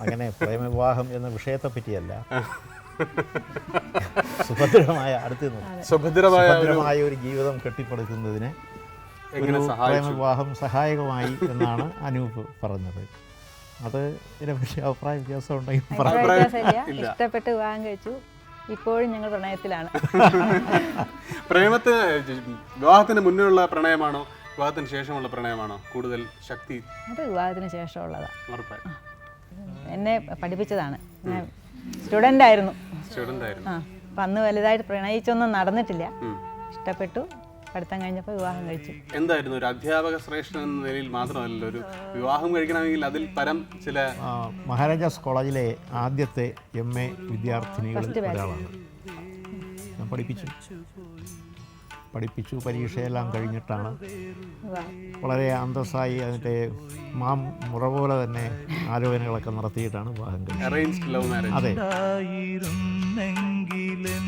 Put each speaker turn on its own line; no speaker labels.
അങ്ങനെ പ്രേമവിവാഹം എന്ന വിഷയത്തെ പറ്റിയല്ല, സുഭദ്രമായ ഒരു ജീവിതം കെട്ടിപ്പടുക്കുന്നതിന് ഒരു പ്രേമവിവാഹം സഹായകമായി എന്നാണ് അനൂപ് പറഞ്ഞത്. അത് ഇതിനെപ്പറ്റി അഭിപ്രായ വ്യത്യാസം ഉണ്ടെങ്കിൽ
ഇഷ്ടപ്പെട്ട് വിവാഹം കഴിച്ചു. ഇപ്പോഴും ഞങ്ങൾ പ്രണയത്തിലാണ്.
വിവാഹത്തിന് മുന്നേയുള്ള പ്രണയമാണോ വിവാഹത്തിന് ശേഷമുള്ള പ്രണയമാണോ കൂടുതൽ ശക്തി?
അത് വിവാഹത്തിന് ശേഷമുള്ളതാണ്. എന്നെ പഠിപ്പിച്ചതാണ്. ഞാൻ സ്റ്റുഡൻ്റ് ആയിരുന്നു. അപ്പം അന്ന് വലുതായിട്ട് പ്രണയിച്ചൊന്നും നടന്നിട്ടില്ല. ഇഷ്ടപ്പെട്ടു, പഠിത്തം കഴിഞ്ഞപ്പോൾ വിവാഹം കഴിച്ചു.
എന്തായിരുന്നു ഒരു അധ്യാപക ശ്രേഷ്ഠൻ എന്ന നിലയിൽ മാത്രമല്ല, ഒരു വിവാഹം കഴിക്കണമെങ്കിൽ അതിൽ പരം ചില
മഹാരാജാസ് കോളേജിലെ ആദ്യത്തെ MA വിദ്യാർത്ഥിനികളിൽ ഒരാളാണ്. ഞാൻ പഠിപ്പിച്ചു പരീക്ഷയെല്ലാം കഴിഞ്ഞിട്ടാണ് വളരെ അന്തസ്സായി അതിൻ്റെ മുറ പോലെ തന്നെ ആലോചനകളൊക്കെ നടത്തിയിട്ടാണ് വിവാഹം കഴിച്ചത്.
Arranged love marriage.
അതെ.